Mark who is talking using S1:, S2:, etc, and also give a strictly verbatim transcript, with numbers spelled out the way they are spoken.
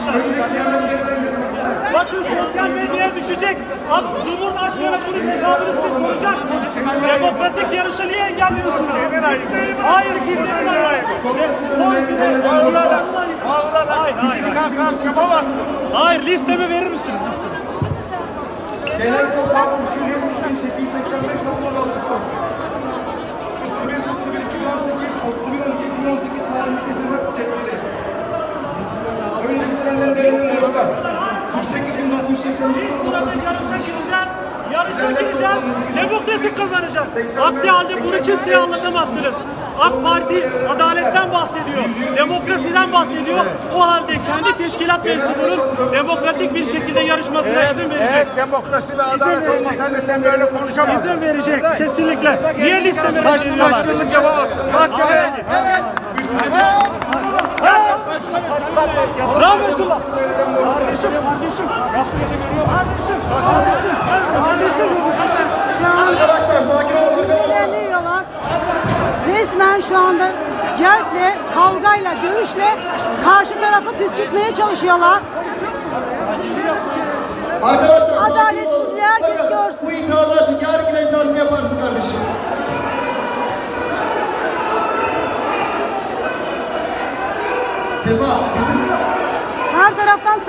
S1: arkadaşlar. Bakın sosyal medyaya düşecek. Abi, Cumhurbaşkanı bunun hesabını size soracak. Demokratik yarışı niye engelliyorsunuz?
S2: Senin ayıbın.
S1: Hayır, kimsenin ayıbı.
S2: Bağırlar. Bağırlar. Hayır, hayır. Yapamazsın.
S1: Hayır, listemi verir misiniz?
S3: Genel toplam iki yüz yetmiş bin sekiz yüz seksen beş toplam aldık. sıfır bir sıfır bir iki bin on sekiz otuz bir on iki iki bin on sekiz tarihli kesinlik tepkili. Önceki dönemden verilen borçlar kırk sekiz bin dokuz yüz seksen dokuz doksan sekiz
S1: Yarışa gireceğiz. Yarışa gireceğiz. Demokratik kazanacak. Aksi halde bunu kimseye anlatamazsınız. AK Parti adaletten bahsediyor. Demokrasiden bahsediyor. O halde kendi teşkilat mensubunun demokratik bir şekilde yarışmasına izin verecek.
S2: Evet, demokrasi ve adalet olmasaydı sen böyle konuşamazdın.
S1: İzin verecek. Kesinlikle. Niye listeme
S2: Baş,
S1: veriyorlar?
S2: başkanlık yapamazsın. Mahkemeye git. Evet.
S1: Rahmetullah. Kardeşim, kardeşim. Kardeşim, kardeşim. Kardeşim.
S3: Arkadaşlar sakin olun arkadaşlar.
S4: İlerliyorlar. Resmen şu anda cerple, kavgayla, dövüşle karşı tarafı püskürtmeye çalışıyorlar.
S3: Arkadaşlar sakin
S4: Adaletsizliği
S3: olun.
S4: herkes
S3: Bakın,
S4: görsün.
S3: bu itirazı açık. Yarın giden itirazını yaparsın kardeşim. Sefa, bitir.
S4: Her taraftan